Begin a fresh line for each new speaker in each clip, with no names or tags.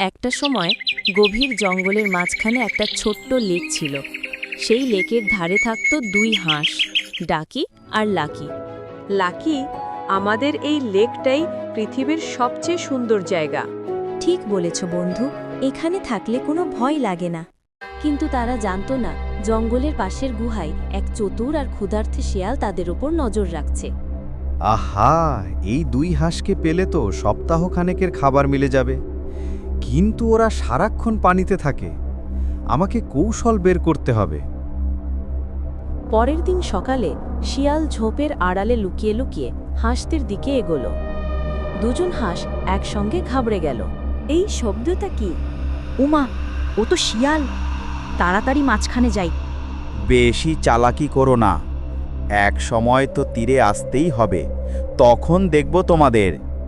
একটা সময় গভীর জঙ্গলের মাঝখানে একটা ছোট্ট লেক ছিল। সেই লেকের ধারে থাকত দুই হাঁস, ডাকি আর লাকি।
লাকি, আমাদের এই লেকটাই পৃথিবীর সবচেয়ে সুন্দর জায়গা।
ঠিক বলেছ বন্ধু, এখানে থাকলে কোনো ভয় লাগে না। কিন্তু তারা জানতো না, জঙ্গলের পাশের গুহায় এক চতুর আর ক্ষুধার্থে শিয়াল তাদের উপর নজর রাখছে।
আহা, এই দুই হাঁসকে পেলে তো সপ্তাহখানেকের খাবার মিলে যাবে। কিন্তু ওরা সারাক্ষণ পানিতে থাকে। আমাকে কৌশল বের করতে হবে।
পরের দিন সকালে শিয়াল ঝোপের আড়ালে লুকিয়ে লুকিয়ে হাঁসদের দিকে এগোলো। দুজন হাঁস একসঙ্গে ঘাবড়ে গেল।
এই শব্দটা কি? উমা, ও তো শিয়াল। তাড়াতাড়ি মাঝখানে যাই।
বেশি চালাকি করো না, এক সময় তো তীরে আসতেই হবে, তখন দেখব তোমাদের।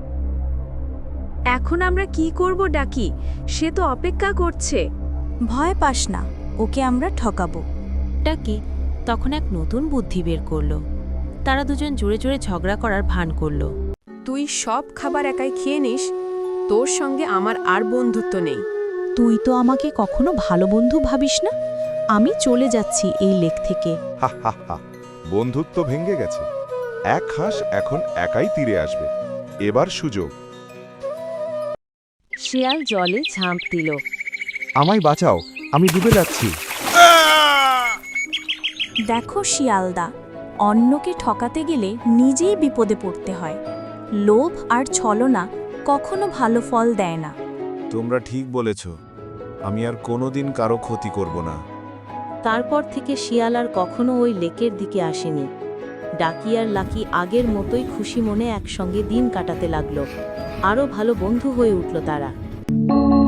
এখন আমরা কি করব ডাকি? সে তো অপেক্ষা করছে।
ভয় পাস না, ওকে আমরা ঠকাবো।
ডাকি তখন এক নতুন বুদ্ধি বের করলো। তারা দুজন জোরে জোরে ঝগড়া করার ভান করলো।
তুই সব খাবার একাই খেয়ে নিস, তোর সঙ্গে আমার আর বন্ধুত্ব নেই।
তুই তো আমাকে কখনো ভালো বন্ধু ভাবিস না। আমি চলে যাচ্ছি এই লেক থেকে।
হা হা হা, বন্ধুত্ব ভেঙে গেছে। এক হাঁস এখন একাই তীরে আসবে। এবার সুযোগ।
শিয়াল জলে ঝাঁপ দিল।
আমায় বাঁচাও, আমি ডুবে যাচ্ছি।
দেখো শিয়ালদা, অন্যকে ঠকাতে গেলে নিজেই বিপদে পড়তে হয়। লোভ আর ছলনা কখনো ভালো ফল দেয় না।
তোমরা ঠিক বলেছ, আমি আর কোনোদিন কারো ক্ষতি করব না।
তারপর থেকে শিয়াল আর কখনো ওই লেকের দিকে আসেনি। ডাকি আর লাকি আগের মতোই খুশি মনে একসঙ্গে দিন কাটাতে লাগলো। আরও ভালো বন্ধু হয়ে উঠল তারা।